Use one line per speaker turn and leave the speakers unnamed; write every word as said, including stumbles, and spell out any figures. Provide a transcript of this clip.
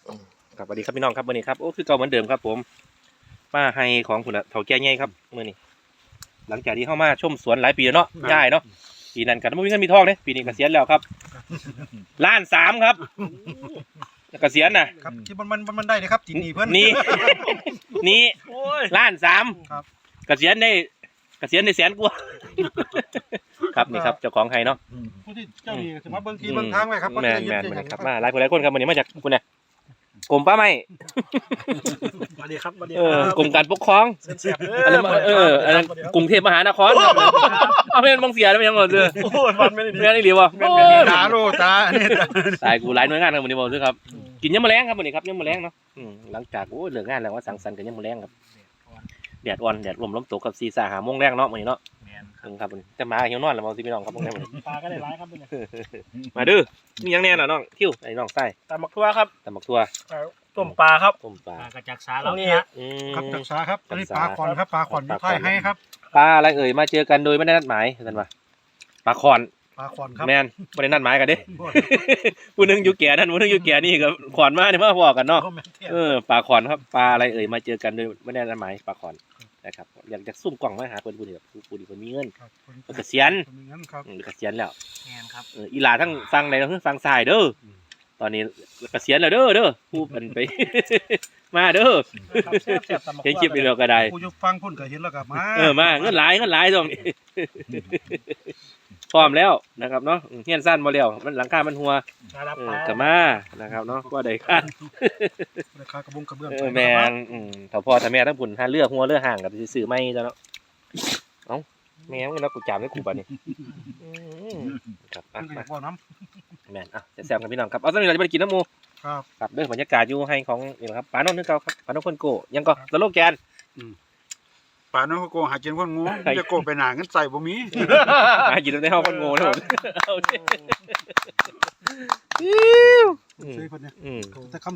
ครับสวัสดีครับพี่น้องครับวันนี้ครับโอ้คือเก่าเหมือนเดิมครับผมมาให้ของคุณเฒ่าแก่ใหญ่ครับมื้อนี้หลังจากที่เข้ามาชมสวนหลายปีแล้วเนาะย่ายเนาะปีนั้นก็บ่มีเงินมีทองเด้ปีนี้เกษียณแล้วครับล้านสามครับเกษียณน่ะ
ครับที่มันมันมันได้นะครับที่นี่เพิ่น
นี่ นี่ล้านสาม
ครับ
เกษียณได้เกษียณได้แสนกว่าครับนี่ครับเจ้าของไห้เนาะ
ผู้ที่เจ้านี่สมาเบิ่งที่เบิ่งทางไว้ครับ
แม่นแม่นแม่นครับมาหลายคนหลายคนครับวันนี้มาจากคุณเนี่ยกรมป่าไม้
สวัสดีครับสวัสดี
เอ
ค
อ
รับ
กรมการปกครอง
เสียบๆ
อันนั้นเอออันนั้นกรุงเทพมหานครครับเอาเป็นบางเสียแล้วมันยังหมดเลย
โอ้ยฟันไม่ได้ดี
แม่นี่หรือวะ
ตาโลตาอันนี้ตา
ตายกูหลายหน่วยงานครับวันนี้บอกด้วยครับกินยำมะแรงครับวันนี้ครับยำมะแรงเนาะอืมหลังจากโอ้เลิกงานแล้วว่าสังสรรค์กันยำมะแรงครับแดดอ่อนแดดลมลมตกกับซีซ่าหาโมงแรงเนาะวันนี้เนาะครับวันนี้จะมาเหี่ยวนอนแล้วมองสิพี่น้องครับพวกนี้วันนี้
ปลาก็ได้ร้ายครับเนี่ย
มาดื้อมียังแน่น่ะน้องคิ้วไอ้น้องไส้
ตำบักทั่วครับ
ตำบักทั่ว
ต้มปลาครับ
ต้มปลา
กระจักสาเราเนี่ย
อืม
ครับจักษาครับอันนี้ปลาขอนครับปลาขอนอยู่ท้ายให้ครับ
ปลาอะไรเอ่ยมาเจอกันโดยไม่ได้นัดหมายท่านว่าปลาคอน
ปลาขอนครับ
แมนไม่ได้นัดหมายกันเด้ ผู้หนึงอยู่แก่นั่นผู้หนึงอยู่แก่นี่กับขอนมาเนี่ยมาบอกกันเนาะเออปลาขอนครับปลาอะไรเอ่ยมาเจอกันโดยไม่ได้นัดหมายปลาขอนนะครับอยากจะซุ่มกล่องมาหาคนผู้ที่แบบผู้ที่คนมีเงิน
ครับ
เกษียณ
คนมีเงินครับ
อืมเกษียณแล้ว
แงนครับ
เอออีหลาทั้งฟังในทั้งฟังสายเด้อตอนนี้เกษียณแล้วเด้อเด้อผู้เป็นไป มาเด้อเห็นคลิปนี้เราก็ได้
ผู้อยู่ฟังพุ่นก็เห็นแล้วก็มา
เออมาเงินหลายเงินหลายตรงนี้ พร้อมแล้วนะครับเนาะอืมเฮียนสั้นบ่แล้วมันหลังคามันหัวเออกลับมานะครับเนาะก็ได้ค่า
ราคากระบุงกระเบื้อง
เออแม่นอืมถ้าพ่อถ้าแม่ทั้งพุ่นหาเลือกหัวเลือกห่างก็สิซื้อใหม่จ้ะเนาะเอ้าแม่มึงแล้วกูจามให้กูบัดนี้อืมครับอ่ะ
มันก็อ
มา
ยากบ่น้
แม่นอ่ะแซ่บๆกันพี่น้องครับเอาตอนนี้เราจะไปกินน้ำหมู
ำครับ
ครับเด้อบรรยากาศอยู่ให้ของนี่แหละครับปาโนนท์นึกเก่าครับปาโนนท์คนโกยังก็สโลแกน
ป่านนั้นเขาโกหากินคนงูจะโกไปหนาเงินใส่บ่มี
มากินในห้องคนโง่นะผมเอาดิ
ซื้อเพิ่นเนี่ย
อืม
แต่คำ